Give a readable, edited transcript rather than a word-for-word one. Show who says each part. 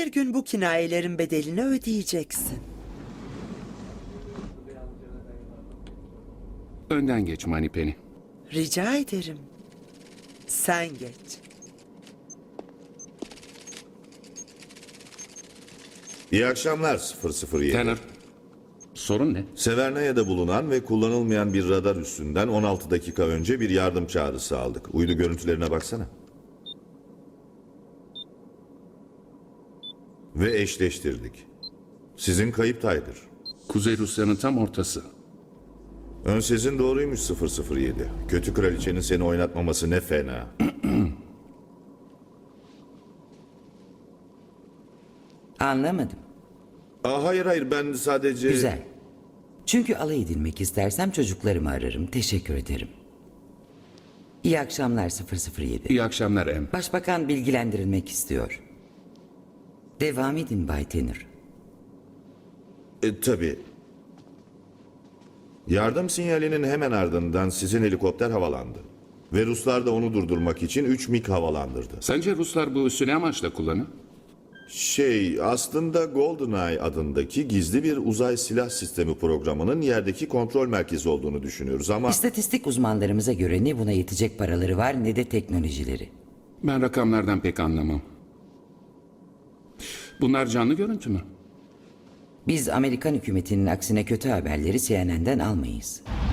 Speaker 1: Bir gün bu kinayelerin bedelini ödeyeceksin.
Speaker 2: Önden geç Moneypenny.
Speaker 1: Rica ederim. Sen geç.
Speaker 3: İyi akşamlar 007.
Speaker 2: Tanner, sorun ne?
Speaker 3: Severnaya'da bulunan ve kullanılmayan bir radar üssünden 16 dakika önce bir yardım çağrısı aldık. Uydu görüntülerine baksana. Ve eşleştirdik. Sizin kayıp Tiger.
Speaker 2: Kuzey Rusya'nın tam ortası.
Speaker 3: Ön sezin doğruymuş 007. Kötü kraliçenin seni oynatmaması ne fena.
Speaker 4: Anlamadım.
Speaker 3: Hayır ben sadece...
Speaker 4: Güzel. Çünkü alay edilmek istersem çocuklarımı ararım. Teşekkür ederim. İyi akşamlar 007.
Speaker 2: İyi akşamlar Em.
Speaker 4: Başbakan bilgilendirilmek istiyor. Devam edin Bay Tanner.
Speaker 3: Tabii. Yardım sinyalinin hemen ardından sizin helikopter havalandı. Ve Ruslar da onu durdurmak için 3 MiG havalandırdı.
Speaker 2: Sence Ruslar bu üssü ne amaçla kullanır?
Speaker 3: Aslında GoldenEye adındaki gizli bir uzay silah sistemi programının yerdeki kontrol merkezi olduğunu düşünüyoruz ama...
Speaker 4: İstatistik uzmanlarımıza göre ne buna yetecek paraları var ne de teknolojileri.
Speaker 2: Ben rakamlardan pek anlamam. Bunlar canlı görüntü mü?
Speaker 4: Biz Amerikan hükümetinin aksine kötü haberleri CNN'den almayız.